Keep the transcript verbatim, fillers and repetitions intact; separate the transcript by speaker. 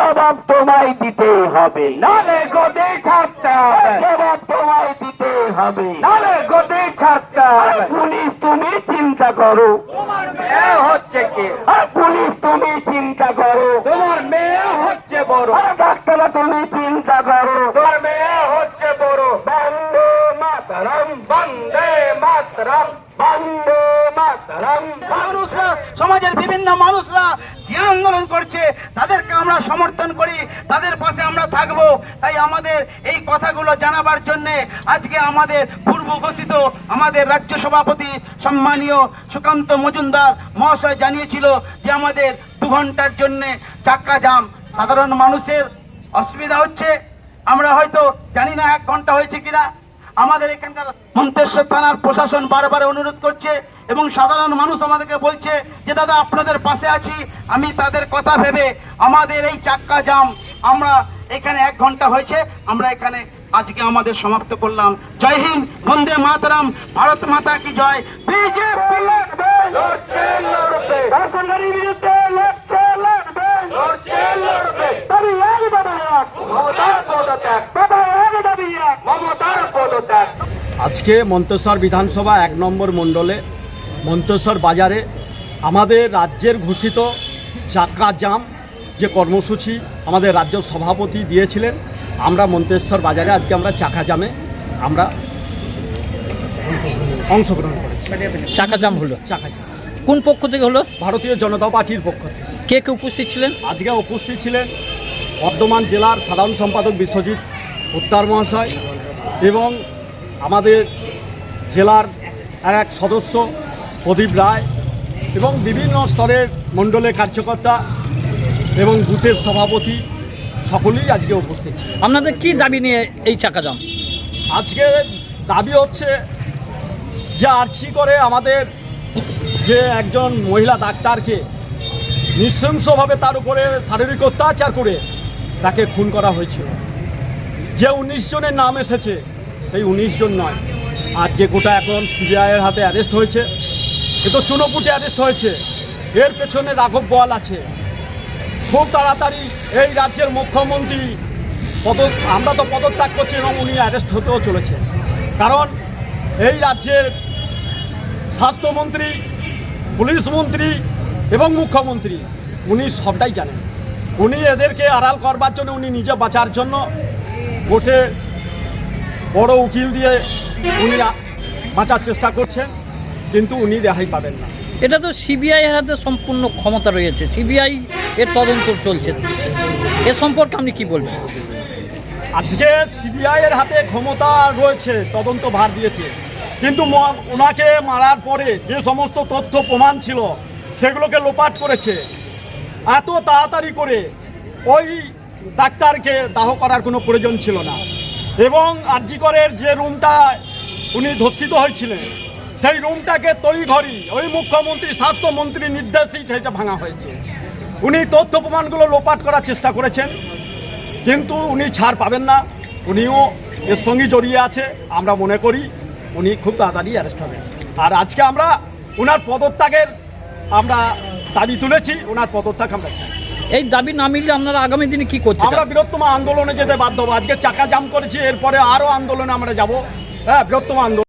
Speaker 1: জবাব তোমায় দিতে হবে,
Speaker 2: নালে গদি ছাড়তে হবে,
Speaker 1: জবাব তোমায় দিতে হবে,
Speaker 2: নালে গদি ছাড়তে হবে।
Speaker 1: পুলিশ তুমি চিন্তা করো,
Speaker 2: তোমার মেয়ে হচ্ছে কি?
Speaker 1: আর পুলিশ তুমি চিন্তা করো,
Speaker 2: তোমার মেয়ে হচ্ছে বড়,
Speaker 1: আর ডাক্তার তুমি চিন্তা করো।
Speaker 2: তোমার মেয়ে হচ্ছে বড়। বন্দে মাতরম, বন্দে মাতরম, বন্দে মাতরম।
Speaker 3: মানুষরা, সমাজের বিভিন্ন মানুষরা যে আন্দোলন করছে তাদেরকে আমরা সমর্থন করি, তাদের পাশে আমরা থাকব। তাই আমাদের এই কথাগুলো জানাবার জন্যে আজকে আমাদের পূর্ব ঘোষিত আমাদের রাজ্য সভাপতি সম্মানীয় সুকান্ত মজুমদার মহাশয় জানিয়েছিল যে আমাদের দু ঘন্টার জন্যে চাক্কা জাম। সাধারণ মানুষের অসুবিধা হচ্ছে, আমরা হয়তো জানি না এক ঘন্টা হয়েছে কিনা। আমাদের এখানকার মন্তেশ্বর থানার প্রশাসন বারবার অনুরোধ করছে এবং সাধারণ মানুষ আমাদেরকে বলছে যে দাদা আপনাদের পাশে আছি। আমি তাদের কথা ভেবে আমাদের এই চাক্কা জাম আমরা এখানে এক ঘন্টা হয়েছে, আমরা এখানে আজকে আমাদের সমাপ্ত করলাম। জয় হিন্দ, বন্দে মাতরম, ভারত মাতা কি জয়। বিজেপি
Speaker 2: লড়ছে লড়বে,
Speaker 1: রাজসরকারের বিরুদ্ধে লড়ছে লড়বে,
Speaker 2: লড়ছে লড়বে।
Speaker 1: দাবি এক দাবি এক,
Speaker 2: মমতার পদত্যাগ,
Speaker 1: দাবি এক দাবি এক।
Speaker 2: মমতার পদত্যাগ।
Speaker 4: আজকে মন্তেশ্বর বিধানসভা এক নম্বর মণ্ডলে মন্তেশ্বর বাজারে আমাদের রাজ্যের ঘোষিত চাক্কা জাম যে কর্মসূচি আমাদের রাজ্য সভাপতি দিয়েছিলেন, আমরা মন্তেশ্বর বাজারে আজকে আমরা চাক্কা জামে আমরা অংশগ্রহণ করেছি।
Speaker 5: চাকা জাম হলো,
Speaker 4: চাক্কা জাম
Speaker 5: কোন পক্ষ থেকে হলো?
Speaker 4: ভারতীয় জনতা পার্টির পক্ষ থেকে।
Speaker 5: কে কে উপস্থিত ছিলেন?
Speaker 4: আজকে উপস্থিত ছিলেন বর্ধমান জেলার সাধারণ সম্পাদক বিশ্বজিৎ উত্তার মহাশয় এবং আমাদের জেলার আর এক সদস্য প্রদীপ রায় এবং বিভিন্ন স্তরের মণ্ডলের কার্যকর্তা এবং বুথের সভাপতি সকলেই আজকে উপস্থিত ছিল।
Speaker 5: আপনাদের কি দাবি নিয়ে এই চাকা জাম?
Speaker 4: আজকে দাবি হচ্ছে যে আর্জি করে আমাদের যে একজন মহিলা ডাক্তারকে নৃশংসভাবে তার উপরে শারীরিক অত্যাচার করে তাকে খুন করা হয়েছিল। যে উনিশ জনের নাম এসেছে সেই উনিশ জন নয়, আর যে গোটা এখন সিবিআইয়ের হাতে অ্যারেস্ট হয়েছে, এ তো চুনোপুটে অ্যারেস্ট হয়েছে, এর পেছনে রাঘব বোয়াল আছে। খুব তাড়াতাড়ি এই রাজ্যের মুখ্যমন্ত্রী পদ আমরা তো পদত্যাগ করছি এবং উনি অ্যারেস্ট হতেও চলেছে, কারণ এই রাজ্যের স্বাস্থ্যমন্ত্রী, পুলিশ মন্ত্রী এবং মুখ্যমন্ত্রী উনি সবটাই জানেন। উনি এদেরকে আড়াল করবার জন্য, উনি নিজে বাঁচার জন্য কোর্টে বড় উকিল দিয়ে উনি বাঁচার চেষ্টা করছেন, কিন্তু উনি রেহাই পাবেন না।
Speaker 5: এটা তো সিবিআই এর হাতে সম্পূর্ণ ক্ষমতা রয়েছে, সিবিআই এর তদন্ত চলছে, এ সম্পর্কে আপনি কি বলবেন?
Speaker 4: আজকে সিবিআইয়ের হাতে ক্ষমতা রয়েছে, তদন্ত ভার দিয়েছে, কিন্তু ম- ওনাকে মারার পরে যে সমস্ত তথ্য প্রমাণ ছিল সেগুলোকে লোপাট করেছে। এত তাড়াতাড়ি করে ওই ডাক্তারকে দাহ করার কোনো প্রয়োজন ছিল না, এবং আরজিকরের যে রুমটা উনি ধর্ষিত হয়েছিলেন সেই রুমটাকে তড়িঘড়ি ওই মুখ্যমন্ত্রী স্বাস্থ্যমন্ত্রীর নির্দেশেই সেটা ভাঙা হয়েছে। উনি তথ্য প্রমাণগুলো লোপাট করার চেষ্টা করেছেন, কিন্তু উনি ছাড় পাবেন না, উনিও এর সঙ্গে জড়িয়ে আছে। আমরা মনে করি উনি খুব তাড়াতাড়ি অ্যারেস্ট হবেন। আর আজকে আমরা ওনার পদত্যাগের আমরা দাবি তুলেছি, ওনার পদত্যাগ আমরা চাই।
Speaker 5: এই দাবি না মিললে আপনারা আগামী দিনে কি করতে চান?
Speaker 4: আমরা বৃহত্তম আন্দোলনে যেতে বাধ্য হবো। আজকে চাকা জাম করেছি, এরপরে আরও আন্দোলনে আমরা যাব। হ্যাঁ, বৃহত্তম আন্দোলন।